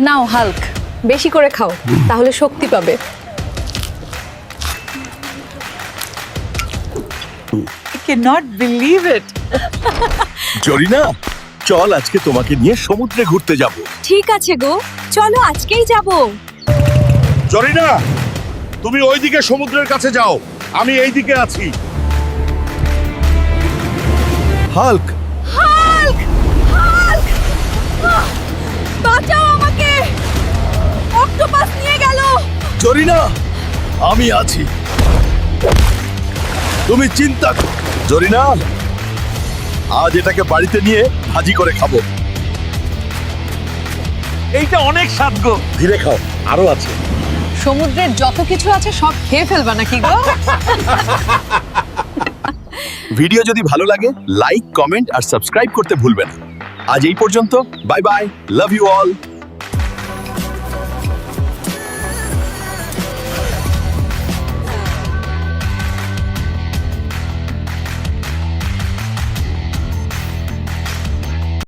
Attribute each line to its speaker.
Speaker 1: নাও Hulk, বেশি করে খাও, তাহলে শক্তি পাবে।
Speaker 2: I cannot believe it.
Speaker 3: Zarina, চল আজকে তোমাকে নিয়ে সমুদ্রে ঘুরতে যাব।
Speaker 1: ঠিক আছে গো, চলো আজকেই যাব।
Speaker 3: জরিনা, তুমি ওইদিকে সমুদ্রের কাছে যাও, আমি এইদিকে আছি। হাল্ক,
Speaker 1: হাল্ক, হাল্ক, বাঁচাও আমাকে, অক্টোপাস নিয়ে গেল।
Speaker 3: জরিনা, আমি আছি, তুমি চিন্তা করো। জরিনা, আজ এটাকে বাড়িতে নিয়ে ভাজি করে খাবো।
Speaker 4: এইটা অনেক স্বাদ গো।
Speaker 3: ধীরে খাও, আরো আছে।
Speaker 1: সমুদ্রের যত কিছু আছে সব খেয়ে ফেলবা নাকি গো?
Speaker 3: ভিডিও যদি ভালো লাগে লাইক, কমেন্ট আর সাবস্ক্রাইব করতে ভুলবেন না। আজ এই পর্যন্ত, bye bye, love you all.